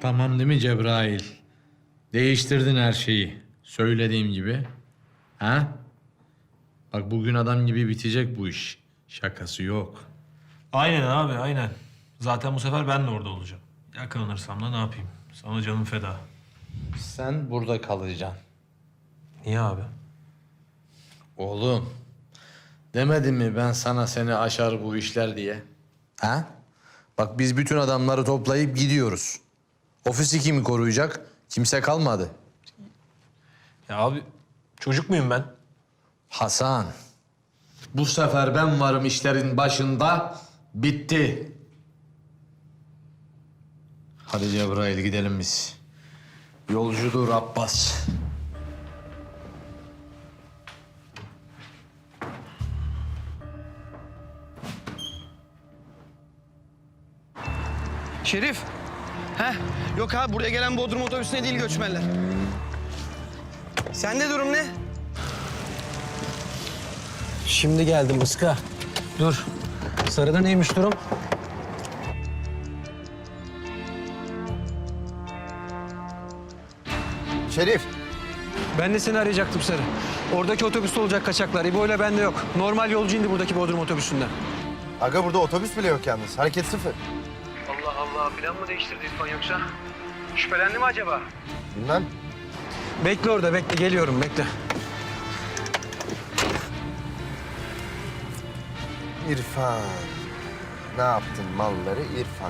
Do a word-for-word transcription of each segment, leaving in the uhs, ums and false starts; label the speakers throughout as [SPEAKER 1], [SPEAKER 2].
[SPEAKER 1] Tamam değil mi Cebrail? Değiştirdin her şeyi. Söylediğim gibi. Ha? Bak bugün adam gibi bitecek bu iş. Şakası yok.
[SPEAKER 2] Aynen abi, aynen. Zaten bu sefer ben de orada olacağım. Yakalanırsam da ne yapayım? Sana canım feda.
[SPEAKER 1] Sen burada kalacaksın.
[SPEAKER 2] Niye abi?
[SPEAKER 1] Oğlum, demedim mi ben sana seni aşar bu işler diye? Ha? Bak biz bütün adamları toplayıp gidiyoruz. Ofisi kimi koruyacak? Kimse kalmadı.
[SPEAKER 2] Ya abi, çocuk muyum ben?
[SPEAKER 1] Hasan, bu sefer ben varım işlerin başında. Bitti. Hadi Cebrail gidelim biz. Yolcudur Abbas.
[SPEAKER 3] Şerif. Heh. Yok abi buraya gelen Bodrum otobüsüne değil göçmenler. Sende durum ne?
[SPEAKER 4] Şimdi geldim Iska. Dur. Sarıda neymiş durum?
[SPEAKER 5] Şerif,
[SPEAKER 4] Ben de seni arayacaktım Sarı. Oradaki otobüste olacak kaçaklar. İbo ile bende yok. Normal yolcu indi buradaki Bodrum otobüsünden.
[SPEAKER 5] aga burada otobüs bile yok yalnız. Hareket sıfır.
[SPEAKER 4] Allah Allah. Plan mı değiştirdi İrfan yoksa? Şüphelendi mi acaba?
[SPEAKER 5] Bilmem.
[SPEAKER 4] Bekle orada bekle. Geliyorum bekle.
[SPEAKER 5] İrfan. Ne yaptın malları İrfan?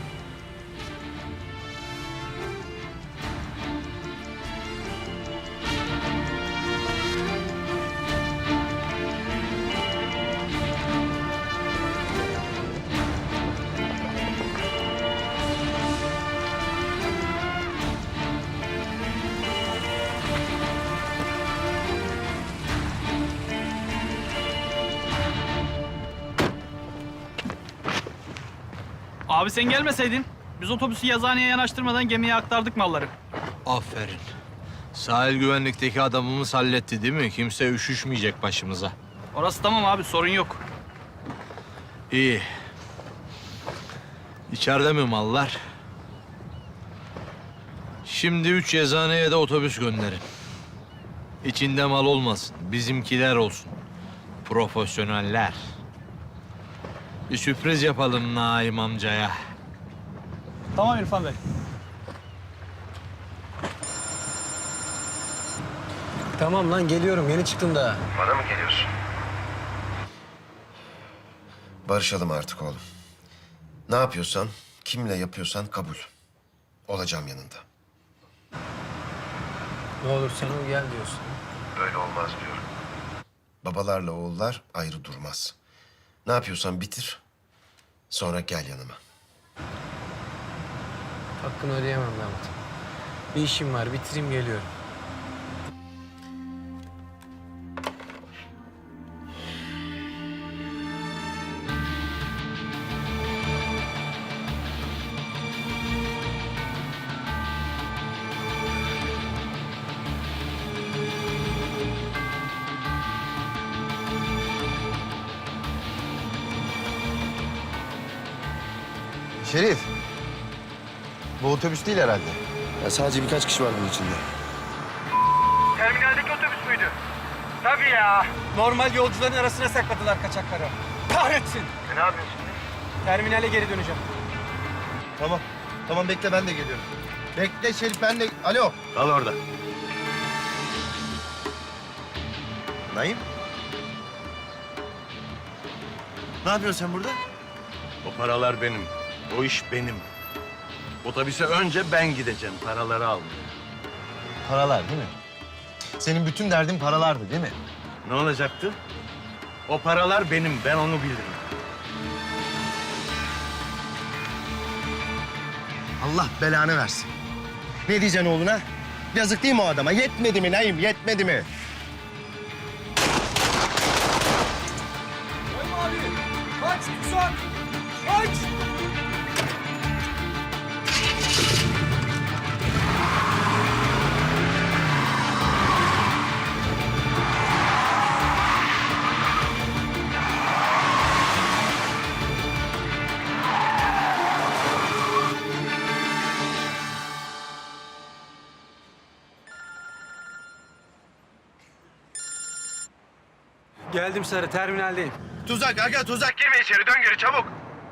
[SPEAKER 6] Abi sen gelmeseydin biz otobüsü yazıhaneye yanaştırmadan gemiye aktardık malları.
[SPEAKER 1] Aferin. Sahil güvenlikteki adamımız halletti değil mi? Kimse üşüşmeyecek başımıza.
[SPEAKER 6] Orası tamam abi sorun yok.
[SPEAKER 1] İyi. İçeride mi mallar? Şimdi üç yazıhaneye de otobüs gönderin. İçinde mal olmasın. Bizimkiler olsun. Profesyoneller. Bir sürpriz yapalım Naim amcaya.
[SPEAKER 6] Tamam İrfan Bey.
[SPEAKER 4] Tamam lan geliyorum. Yeni çıktım daha.
[SPEAKER 5] Bana mı geliyorsun? Barışalım artık oğlum. Ne yapıyorsan, kimle yapıyorsan kabul. Olacağım yanında.
[SPEAKER 4] Ne olur sen ol gel diyorsun.
[SPEAKER 5] Böyle olmaz diyorum. Babalarla oğullar ayrı durmaz. Ne yapıyorsan bitir, sonra gel yanıma.
[SPEAKER 4] Hakkını ödeyemem Mehmet. Bir işim var. Bitireyim geliyorum.
[SPEAKER 5] Şerif, bu otobüs değil herhalde. Ya sadece birkaç kişi var bunun içinde.
[SPEAKER 3] Terminaldeki otobüs müydü? Tabii ya. Normal yolcuların arasına sakladılar kaçakları. Kahretsin.
[SPEAKER 5] E ne yapıyorsun şimdi?
[SPEAKER 3] Terminale geri döneceğim.
[SPEAKER 5] Tamam, tamam bekle ben de geliyorum. Bekle Şerif ben de... Alo. Kal orada. Naim? Ne yapıyorsun sen burada?
[SPEAKER 7] O paralar benim. O iş benim. Otobüse önce ben gideceğim. Paraları almaya.
[SPEAKER 5] Paralar değil mi? Senin bütün derdin paralardı değil mi?
[SPEAKER 7] Ne olacaktı? O paralar benim. Ben onu bilirim.
[SPEAKER 5] Allah belanı versin. Ne diyeceksin oğluna? Yazık değil mi o adama? Yetmedi mi Naim? Yetmedi mi?
[SPEAKER 3] Kaç tutsak! Kaç!
[SPEAKER 4] Geldim Sarı, terminaldeyim.
[SPEAKER 5] Tuzak aga tuzak. Girme içeri dön geri çabuk.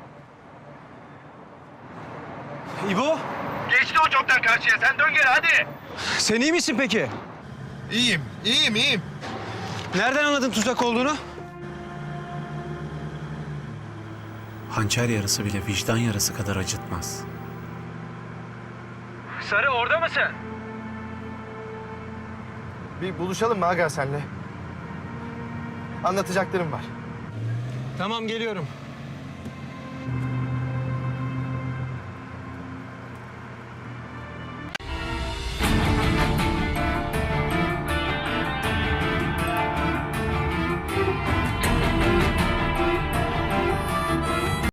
[SPEAKER 4] İbo,
[SPEAKER 5] Geçti o çoktan karşıya sen dön geri hadi.
[SPEAKER 4] sen iyi misin peki?
[SPEAKER 5] İyiyim iyiyim iyiyim.
[SPEAKER 4] Nereden anladın tuzak olduğunu?
[SPEAKER 8] Hançer yarası bile vicdan yarası kadar acıtmaz.
[SPEAKER 4] Sarı orada mısın?
[SPEAKER 9] Bir buluşalım mı aga senle? Anlatacaklarım var.
[SPEAKER 4] Tamam, geliyorum.